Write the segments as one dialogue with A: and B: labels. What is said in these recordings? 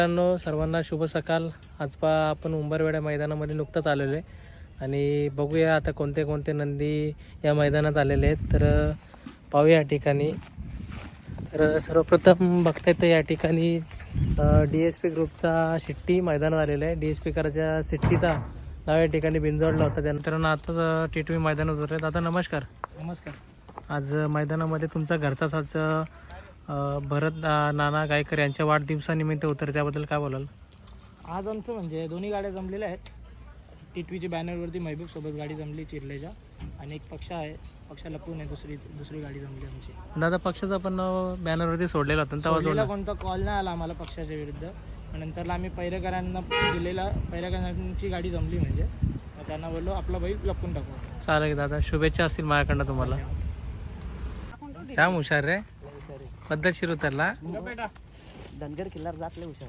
A: मित्रांनो, सर्वांना शुभ सकाळ. आज आपण उंबरवेढा मैदानामध्ये नुकतंच आलेलो आहे आणि बघूया आता कोणते कोणते नंदी या मैदानात आलेले आहेत. तर पाहूया या ठिकाणी. तर सर्वप्रथम बघता येतं या ठिकाणी DSP ग्रुपचा शिट्टी मैदानात आलेला आहे. DSP कराच्या शिट्टीचा नाव या ठिकाणी बिंजवडला होता. त्यानंतर आताच टी मैदानात उतरले. दादा नमस्कार.
B: नमस्कार.
A: आज मैदानामध्ये तुमचा घरचाच आज भरत नाना गायकर यांच्या वाढदिवसानिमित्त उतर, त्याबद्दल काय बोलाल?
B: आज आमचं म्हणजे दोन्ही गाड्या जमलेल्या आहेत. टी बॅनरवरती महबूब सोबत गाडी जमली चिरलेच्या, आणि एक पक्ष आहे, पक्ष लपून आहे, दुसरी गाडी जमली आमची.
A: दादा पक्षाचा पण बॅनरवरती सोडलेला होता, तेव्हा
B: कोणता कॉल नाही आला आम्हाला पक्षाच्या विरुद्ध. नंतरला आम्ही पैरेकरांना दिलेला, पैरेकरांची गाडी जमली म्हणजे त्यांना बोललो आपला बैल लपून टाकू.
A: चालेल दादा, शुभेच्छा असतील माझ्याकडनं तुम्हाला. जाम हुशार रे, पद्धतशीर उतरला.
B: धनगर किल्लार जातले हुशार.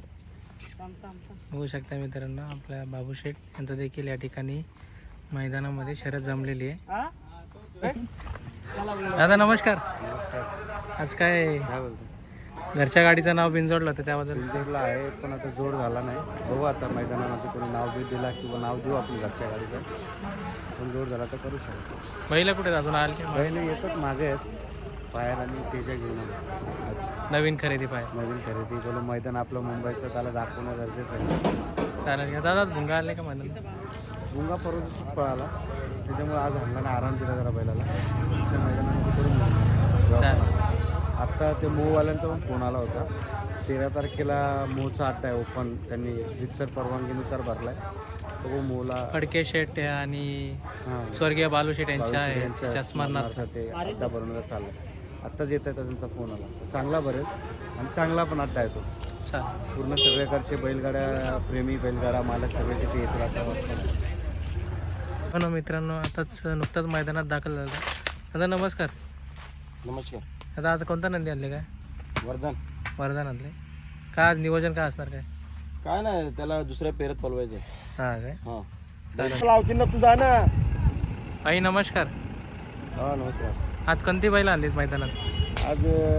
A: होऊ शकता मित्रांनो, आपल्या बाबू शेठ यांचं देखील या ठिकाणी मैदानामध्ये शर्यत जमलेली आहे. दादा नमस्कार. आज काय घरच्या गाडीचं नाव बिंजोडलं होतं, त्याबद्दल?
C: बिंजोडला आहे, पण आता जोड झाला नाही. बघू आता मैदानामध्ये कोणी नाव बी दिला किंवा नाव देऊ आपण घरच्या गाडीचं. पण जोड झाला तर करू शकतो.
A: बैल कुठे अजून आले?
C: बैल येतच मागे आहेत, पायर आणि तेजा घेऊन
A: नवीन खरेदी पाहिजे.
C: नवीन खरेदी बोलू. मैदान आपलं मुंबईचं, त्याला दाखवणं गरजेचं आहे.
A: चालेल का दादा? भुंगा आले का मैदान?
C: भुंगा परत पळाला, त्याच्यामुळे आज हल्ला आराम दिला जरा बैलाला. मैदानामध्ये करून आत्ता ते मोवाल्यांचा पण फोन आला होता. 13 तारखेला मोचा अड्डा आहे ओपन, त्यांनी रितसर परवानगीनुसार भरलाय. तो मोला
A: फडके शेट आणि स्वर्गीय बालू शेट यांच्या स्मरणार्थ
C: ते अड्डा भरून चाललं. आत्ताच येत आहे त्यांचा फोन आला. चांगला भरेल आणि चांगला पण अड्डा आहे तो. पूर्ण सगळ्याकडचे बैलगाड्या प्रेमी, बैलगाडा मालक सगळे तिथे येतील असं वाटतं.
A: हो मित्रांनो, आताच नुकताच मैदानात दाखल झाला. दादा नमस्कार.
C: नमस्कार.
A: दादा आता कोणता नंदी आणले? काय वर्धन आणले? काय आज नियोजन काय असणार?
C: काय नाही, त्याला दुसऱ्या पेरत पलवायचं.
A: हा काय
C: लावतील ना तुझा ना.
A: आई नमस्कार.
C: हा नमस्कार.
A: आज कोणती बैल आणलीत मैदानात?
C: आज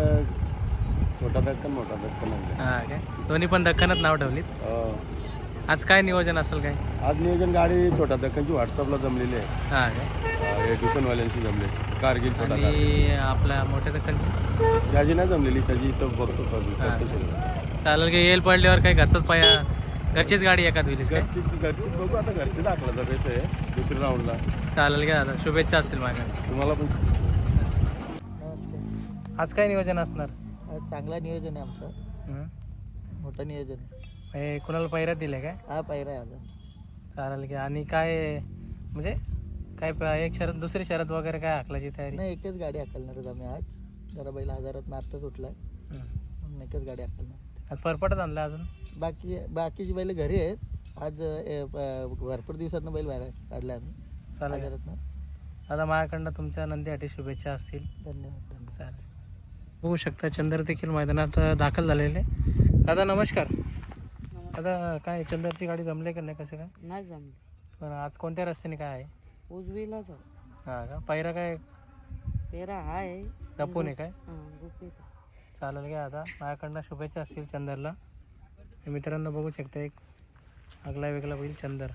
C: छोटा दक्कन मोठा दक्कन आणले.
A: हा काय दोन्ही पण दख्खनच नाव ठेवलीत. आज काय नियोजन असेल? काय
C: आज नियोजन गाडी छोटा दक्कनची व्हॉट्सअपला जमलेली आहे.
A: हा काय
C: ट्युशनवाल्यांची जमले. कारगिल छोटा
A: आणि आपल्या मोठ्या दख्खनची
C: त्याची नाही जमलेली, त्याची इथं बघतो.
A: चालेल की येईल पडल्यावर काय घरचाच पाया, घरचीच गाडी एखाद विलीस काय?
C: घरची बघू आता, घरची दाखला जगायचं आहे दुसऱ्या राऊंडला.
A: चालेल का दादा, शुभेच्छा असतील माझ्या
C: तुम्हाला पण.
A: आज काय नियोजन असणार?
B: चांगला नियोजन आहे आमचं, मोठं नियोजन आहे.
A: कुणाला पैऱ्यात दिले काय?
B: हा पायरा आहे आज.
A: चालेल की. आणि काय म्हणजे काय एक शरद दुसरी शरद वगैरे काय हाकलाची तयारी?
B: नाही, एकच गाडी हाकलणार आम्ही आज. जरा बैल आजारात आत्ताच सुटलाय, म्हणून एकच गाडी हाकलणार.
A: आज परपटच आणलं अजून?
B: बाकीची बैल घरी आहेत. आज भरपूर दिवसातनं बैल बाहेर काढला आम्ही.
A: चालेल दादा, माझ्याकडनं तुमच्या नंदीसाठी शुभेच्छा असतील.
B: धन्यवाद.
A: चालेल. बघू शकता चंद्र देखील मैदानात दाखल झालेले. दादा नमस्कार. दादा काय चंद्रची गाडी जमले का नाही? कसं काय?
B: नाही जमली.
A: पण आज कोणत्या रस्त्याने काय आहे?
B: उजवीलाच.
A: हा का? पैरा काय
B: पेरा आहे
A: लपून आहे काय? चालेल का. आता माझ्याकडनं शुभेच्छा असतील चंदरला. मित्रांनो बघू शकता एक आगला वेगळा बैल चंदर.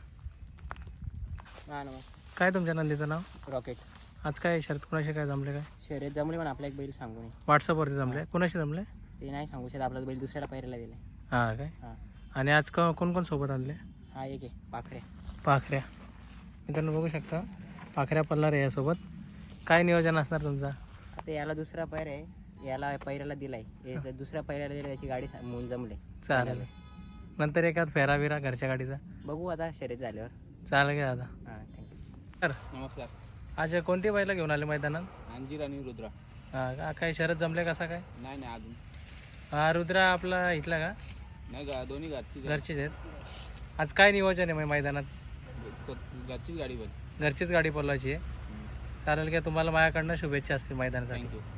A: काय तुमच्या नंदीचं नाव?
B: रॉकेट.
A: आज काय शर्यत कुणाशी काय जमले? काय
B: शर्यत जमले, पण आपला एक बैल सांगू नये.
A: व्हॉट्सअपवरती जमले? कुणाशी जमले
B: ते नाही सांगू शकत. आपला बैल दुसऱ्याला पैरायला दिलाय.
A: हा काय? आणि आज कोण कोण सोबत आणले?
B: हा एक आहे
A: पाखऱ्या. मित्रांनो बघू शकता पाखऱ्या पल्ला रे यासोबत. काय नियोजन असणार तुमचा?
B: आता याला दुसरा पैर आहे, याला पैरायला दिलाय. दुसऱ्या पैरायला दिला, याची गाडी म्हणून जमले.
A: चालेल. नंतर एखाद फेरा बिरा घरच्या गाडीचा
B: बघू आता शर्यत झाल्यावर.
A: चालेल का दादा?
B: हां थँक्यू.
A: सर
B: नमस्कार.
A: आज कोणती बैला घेऊन आले मैदानात?
B: अंजीर आणि रुद्रा.
A: हा का? काय शरद जमले कसा काय?
B: नाही अजून.
A: हा रुद्रा आपला इथला का?
B: नाही, दोन्ही
A: घरचीच आहेत. आज काय नियोजन आहे मैदानात?
B: घरचीच गाडी
A: घरचीच गाडी पळवायची आहे. चालेल का? तुम्हाला माझ्याकडनं शुभेच्छा असतील मैदानासाठी.
B: थँक्यू.